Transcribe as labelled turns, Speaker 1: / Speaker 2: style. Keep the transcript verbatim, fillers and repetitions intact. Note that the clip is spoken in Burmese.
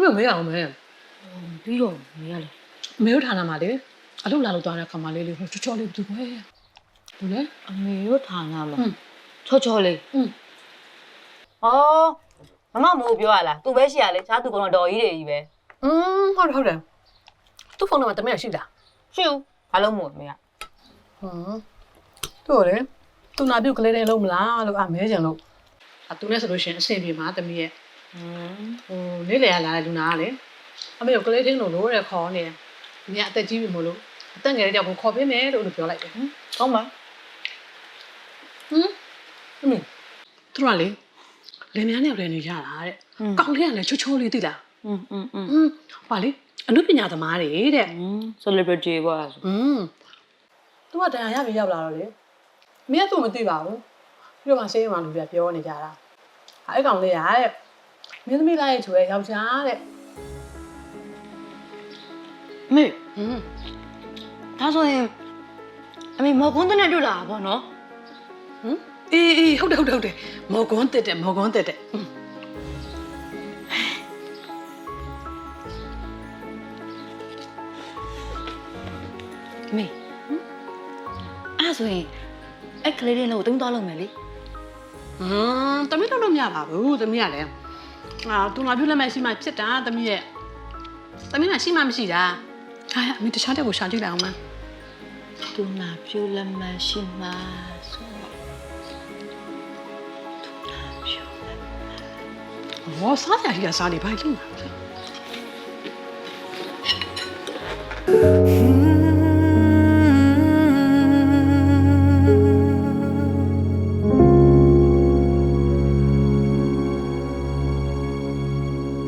Speaker 1: မမေးအောင်မဲ
Speaker 2: ပြီးတော့မေးရလေ
Speaker 1: မေတို့ဌာနမှာလေအလုပ်လာလို့သွားတဲ့ခါမှလေးလေးချောချောလေးဘယ်သူပဲဘူးလေ
Speaker 2: အမေတို့ဌာနမှာချောချောလေး
Speaker 1: อืม
Speaker 2: ဩမမမိုးပြောရလားသူပဲရှိရလေရှားသူကတော့တော်ကြီးတွေကြီးပဲ
Speaker 1: อืมဟုတ်တယ်ဟုတ်တယ်သူ့ဖုန်းနံပါတ်တမက်ရှိလား
Speaker 2: ရှိဘူးဘာလို့မို့မေးရ
Speaker 1: ဟမ်တို့လေသူနာပြုတ်ကလေးတွေလုံးမလားလို့အမဲကြံလို့အသူနဲ့ဆိုလို့ရှိရင်အဆင်ပြေမှာတမီးရဲ့
Speaker 2: ဟမ်
Speaker 1: ဟိုနေ့လေရလာတဲ့လူနာကလေအမေကိုကလေးတင်းလို့လို့တဲ့ခေါ်နေတယ်မြတ်အသက်ကြီးပြီမို့လို့အသက်ငယ်တဲ့ကြောင့်ကိုခေါ်ပေးမယ်လို့ပြောလိုက်တယ်ဟမ်
Speaker 2: ကောင်းပါ
Speaker 1: ဟမ်အမေသူကလေလင်မယားနဲ့လည်းနေရတာတဲ့ကောင်းလေးကလည်းချိုးချိုးလေးသိလား
Speaker 2: อืมอืมอืม
Speaker 1: ဟာလေအနုပညာသမားတွေတဲ့
Speaker 2: อืม celebrity ပေါ့အဲ့
Speaker 1: อืมသူကတရားရပြီရောက်လာတော့လေမင်းကသူ့မသိပါဘူးပြီးတော့မှဆေးရုံမှာလူပြပြောနေကြတာအဲ့ကောင်လေးရတဲ့မင်းသမီးလိုက်ဆိုရဲယောက်ျားတဲ့
Speaker 2: မေ
Speaker 1: ဟမ်
Speaker 2: ဒါဆိုရင်အမေမော်ကွန်းတဲ့တွေ့လာပါဘောနော်
Speaker 1: ဟမ်အေးအေးဟုတ်တယ်ဟုတ်တယ်ဟုတ်တယ်မော်ကွန်းတက်တယ်မော်ကွန်းတက်တယ်
Speaker 2: မေအဲ့ဆိုရင်အဲ့ကလေးလေးလို့တင်းသွားလို့မယ်လေ
Speaker 1: ဟမ်တမီးတော့လို့မရပါဘူးတမီးကလည်းအာသူငါပြုတ်လက်မဲ့ရှိမှဖြစ်တာတမီးရဲ့တမီးကရှိမှမရှိတာဟာအမေတခြားတက်ကိုရှာကြည့်လိုက်အောင်မ
Speaker 2: သူနာပြုတ်လက်မရှိမှဆိုသူနာပြုတ်လက်
Speaker 1: ဟောစားရည်ကစားနေပါလိမ့်မယ်